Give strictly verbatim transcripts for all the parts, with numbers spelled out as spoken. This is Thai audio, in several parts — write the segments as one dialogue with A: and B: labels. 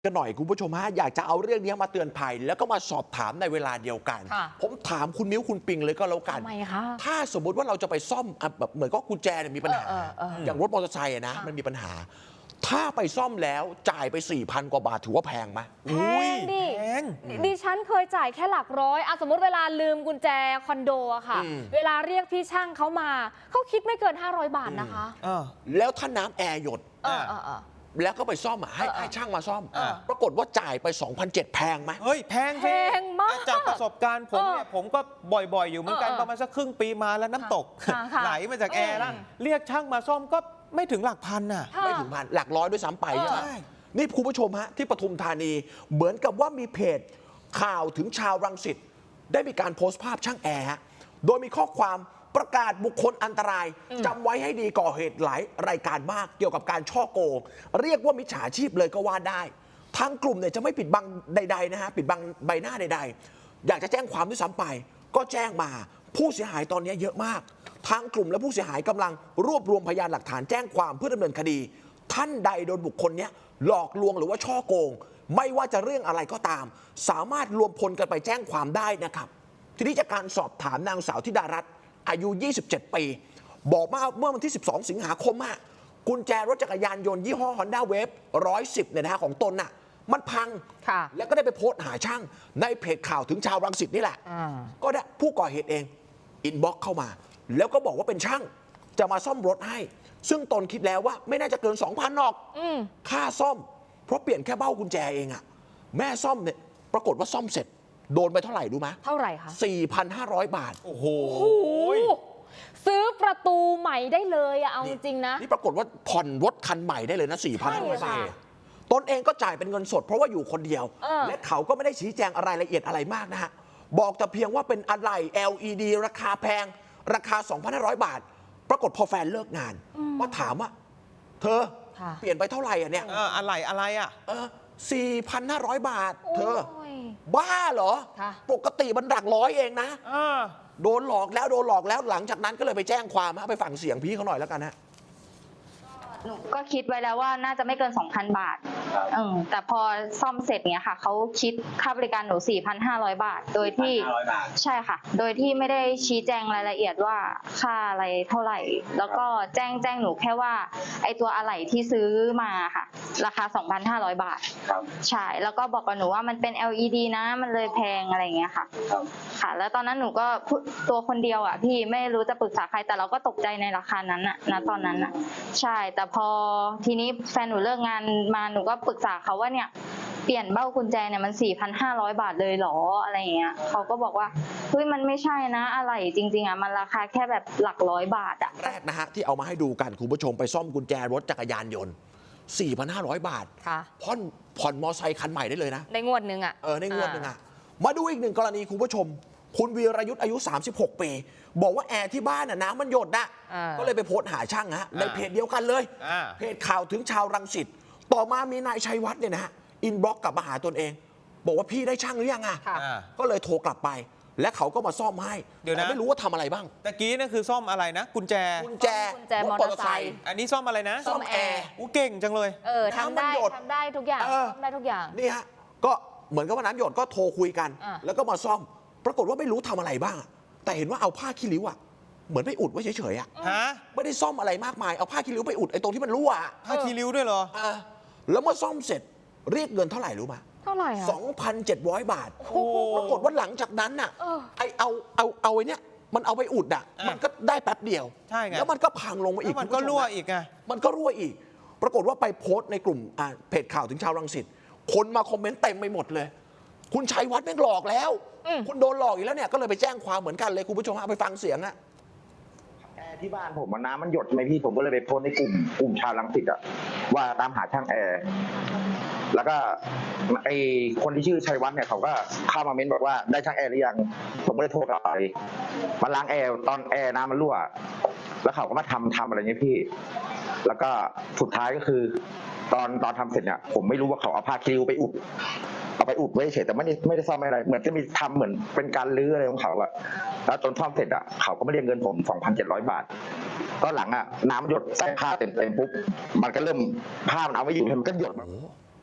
A: กันหน่อยคุณผู้ชมฮะอยากจะเอาเรื่องนี้มาเตือนภัยแล้วก็มาสอบถามในเวลาเดียวกัน ผมถามคุณมิ้วคุณปิงเลยก็แล้วกัน
B: ทำไมคะ
A: ถ้าสมมุติว่าเราจะไปซ่อมแบบเหมือนก็กุญแจเนี่ยมีปัญหา อย่างรถมอเตอร์ไซค์นะมันมีปัญหา ถ้าไปซ่อมแล้วจ่ายไป สี่พัน กว่าบาทถือว่าแพงไหม
B: แพงดิดิฉันเคยจ่ายแค่หลักร้อยอะสมมติเวลาลืมกุญแจคอนโดอะค่ะเวลาเรียกพี่ช่างเขามาเขาคิดไม่เกินห้าร้อยบาทนะคะ
A: แล้วถ้าน้ำแอร์หยดแล้วก็ไปซ่อมอ่ะให้ให้ช่างมาซ่อมปรากฏว่าจ่ายไป สองพันเจ็ดร้อย แพงไหม
C: เฮ้ยแพง
B: แพงมาก
C: จากประสบการณ์ผมเนี่ยผมก็บ่อยๆอยู่เหมือนกันประมาณสักครึ่งปีมาแล้วน้ำตกไหลมาจากแอร์แล้วเรียกช่างมาซ่อมก็ไม่ถึงหลักพันอ่ะ
A: ไม่ถึงพันหลักร้อยด้วยซ้ำไปใช่ไหมนี่คุณผู้ชมฮะที่ปทุมธานีเหมือนกับว่ามีเพจข่าวถึงชาวรังสิตได้มีการโพสต์ภาพช่างแอร์ฮะโดยมีข้อความประกาศบุคคลอันตรายจำไว้ให้ดีก่อเหตุหลายรายการมากเกี่ยวกับการช่อโกงเรียกว่ามิจฉาชีพเลยก็ว่าได้ทางกลุ่มเนี่ยจะไม่ปิดบังใดๆนะฮะปิดบังใบหน้าใดๆอยากจะแจ้งความด้วยซ้ำไปก็แจ้งมาผู้เสียหายตอนนี้เยอะมากทางกลุ่มและผู้เสียหายกำลังรวบรวมพยานหลักฐานแจ้งความเพื่อดำเนินคดีท่านใดโดนบุคคลนี้หลอกลวงหรือว่าช่อโกงไม่ว่าจะเรื่องอะไรก็ตามสามารถรวมพลกันไปแจ้งความได้นะครับทีนี้จากการสอบถามนางสาวธิดารัตน์อายุ ยี่สิบเจ็ด ปีบอกว่าเมื่อวันที่ สิบสอง สิงหาคมอะกุญแจรถจักรยานยนต์ยี่ห้อ Honda Wave หนึ่งร้อยสิบเนี่ยนะฮะของตนน่ะมันพังแล้วก็ได้ไปโพสต์หาช่างในเพจข่าวถึงชาวรังสิตนี่แหละก็ได้ผู้ก่อเหตุเองอินบ็อกซ์เข้ามาแล้วก็บอกว่าเป็นช่างจะมาซ่อมรถให้ซึ่งตนคิดแล้วว่าไม่น่าจะเกิน สองพัน หรอกค่าซ่อมเพราะเปลี่ยนแค่เบ้ากุญแจเองอะแม่ซ่อมเนี่ยปรากฏว่าซ่อมเสร็จโดนไปเท่าไหร่รู้ไหม
B: เท่าไหร่คะ
A: สี่พันห้าร้อย บาท
C: โอ้โห
B: ซื้อประตูใหม่ได้เลยอะเอาจริงนะ
A: นี่ปรากฏว่าผ่อนรถคันใหม่ได้เลยนะ สี่พันห้าร้อย บาทตนเองก็จ่ายเป็นเงินสดเพราะว่าอยู่คนเดียวและเขาก็ไม่ได้ชี้แจงอะไรละเอียดอะไรมากนะฮะบอกแต่เพียงว่าเป็นอะไหล่ แอล อี ดี ราคาแพงราคา สองพันห้าร้อย บาทปรากฏพอแฟนเลิกงานก็ถามว่าเธอเปลี่ยนไปเท่าไหร่อ่ะเนี่ย
C: อะไหล่อะไรอ่ะ
A: เออ สี่พันห้าร้อย บาทเธอบ้าเหรอปกติมันหลักร้อยเองนะโดนหลอกแล้วโดนหลอกแล้วหลังจากนั้นก็เลยไปแจ้งความไปฟังเสียงพี่เขาหน่อยแล้วกันฮะ
D: หนูก็คิดไว้แล้วว่าน่าจะไม่เกิน สองพัน บาทเออแต่พอซ่อมเสร็จเนี้ยค่ะเขาคิดค่าบริการหนู สี่พันห้าร้อย บาทโดยที่ใช่ค่ะโดยที่ไม่ได้ชี้แจงรายละเอียดว่าค่าอะไรเท่าไหร่แล้วก็แจ้งแจ้งหนูแค่ว่าไอตัวอะไหล่ที่ซื้อมาค่ะราคา สองพันห้าร้อย บาทใช่แล้วก็บอกกับหนูว่ามันเป็น แอล อี ดี นะมันเลยแพงอะไรอย่างเงี้ยค่ะค่ะแล้วตอนนั้นหนูก็ตัวคนเดียวอ่ะพี่ไม่รู้จะปรึกษาใครแต่เราก็ตกใจในราคานั้นน่ะณตอนนั้นน่ะใช่แต่พอทีนี้แฟนหนูเลิกงานมาหนูก็ปรึกษาเขาว่าเนี่ยเปลี่ยนเบ้ากุญแจเนี่ยมัน สี่พันห้าร้อย บาทเลยเหรออะไรอย่างเงี้ยเขาก็บอกว่าเฮ้ยมันไม่ใช่นะอะไรจริงๆอ่ะมันราคาแค่แบบหลักร้อยบาทอ่ะ
A: แรกนะฮะที่เอามาให้ดูกันคุณผู้ชมไปซ่อมกุญแจรถจักรยานยนต์ สี่พันห้าร้อย บาทผ่อนผ่อนมอไซค์คันใหม่ได้เลยนะ
B: ในงวดนึงอ่ะ
A: เออในงวดนึงอ่ะมาดูอีกหนึ่งกรณีคุณผู้ชมคุณวีรยุทธ์อายุ สามสิบหก ปีบอกว่าแอร์ที่บ้านน่ะน้ำมันหยดนะก็เลยไปโพสต์หาช่างฮะในเพจเดียวกันเลยเพจข่าวถึงชาวรังสิตต่อมามีนายชัยวัฒน์เนี่ยนะฮะอินบ็อกซ์กลับมาหาตนเองบอกว่าพี่ได้ช่างหรือยังอ่ะก็เลยโทรกลับไปและเขาก็มาซ่อมให้แต่ไม่รู้ว่าทำอะไรบ้าง
C: ตะกี้นั่นคือซ่อมอะไรนะกุญแจ
A: กุญแจ
B: มอเตอร์ไซค์
C: อันนี้ซ่อมอะไรนะ
B: ซ่อมแอร์
C: อู้เก่งจังเลย
B: เออทำได้ทำได้ทุกอย่างทำได้ทุกอย่าง
A: นี่ฮะก็เหมือนกับว่าน้ำหยดก็โทรคุยกันแล้วก็มาซ่อมปรากฏว่าไม่รู้ทำอะไรบ้างแต่เห็นว่าเอาผ้าขี้ริ้วอะเหมือนไปอุดไว้เฉยๆอะไม่ได้ซ่อมอะไรมากมายเอาผ้าขี้ริ้วไปอุดไอ้ตรงที่มันรั่ว
C: ผ้าขี้ริ้วด้วยเหรอ
A: แล้วเมื่อซ่อมเสร็จเรียกเงินเท่าไหร่รู้ไหม
B: เท่าไหร่อะ
A: สองพันเจ็ดร้อย บาทปรากฏว่าหลังจากนั้นน่ะไอเอาเอาเอาไอ้เนี้ยมันเอาไปอุดอะมันก็ได้แป๊บเดียว
C: ใช่ไง
A: แล้วมันก็พังลงมาอีก
C: มันก็รั่วอีกไง
A: มันก็รั่วอีกปรากฏว่าไปโพสต์ในกลุ่มเพจข่าวถึงชาวรังสิตคนมาคอมเมนต์เต็มไปหมดเลยคุณชัยวัฒน์แม่งหลอกแล้วคุณโดนหลอกอีกแล้วเนี่ยก็เลยไปแจ้งความเหมือนกันเลยคุณผู้ชมเอาไปฟังเสียงอะ
E: แอร์ที่บ้านผมน้ำมันหยดไหมพี่ผมก็เลยไปโพสในกลุ่มกลุ่มชาวรังสิตอะว่าตามหาช่างแอร์แล้วก็ไอคนที่ชื่อชัยวัฒน์เนี่ยเขาก็เข้ามาเม้นบอกว่าได้ช่างแอร์หรือยังผมก็เลยโทรกลับไปมาล้างแอร์ตอนแอร์น้ำมันรั่วแล้วเขาก็มาทำทำอะไรเงี้ยพี่แล้วก็สุดท้ายก็คือตอนตอนทำเสร็จเนี่ยผมไม่รู้ว่าเขาเอาผ้าคิวไปอุดเอาไปอุดไว้เฉยแต่ไม่ได้ไม่ได้ซ่อมอะไรเหมือนจะมีทำเหมือนเป็นการลื้ออะไรของเขาอะแล้วจนซ่อมเสร็จอะเขาก็ไม่เรียกเงินผม สองพันเจ็ดร้อย บาทก็หลังอะน้ำหยดใส่ผ้าเต็มเต็มปุ๊บมันก็เริ่มผ้ามันเอาไม่อยู่มันก็หยด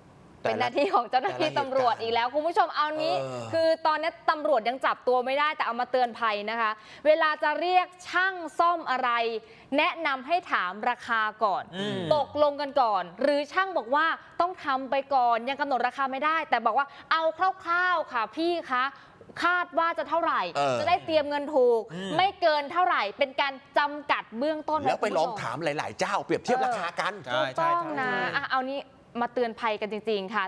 B: เป็นหน้าที่ของเจ้าหน้าที่ตำรวจอีกแล้วคุณผู้ชมเอานี้
A: เออ
B: คือตอนนี้ตำรวจยังจับตัวไม่ได้แต่เอามาเตือนภัยนะคะ เวลาจะเรียกช่างซ่อมอะไร แนะนำให้ถามราคาก่อน
C: อืม
B: ตกลงกันก่อน หรือช่างบอกว่าต้องทำไปก่อนยังกำหนดราคาไม่ได้ แต่บอกว่าเอาคร่าวๆค่ะพี่คะคาดว่าจะเท่าไหร่
A: เออ
B: จะได้เตรียมเงินถูก
C: อืม
B: ไม่เกินเท่าไหร่ เป็นการจำกัดเบื้องต้น
A: แล้วไป
B: คุณ
A: ล
B: ผู้
A: อง
B: ชม
A: ถามหลาย ๆ เจ้าเปรียบเทียบราคากัน
C: ใช่
B: ถูกต้องนะอ่ะเอานี้มาเตือนภัยกันจริง ๆ ค่ะ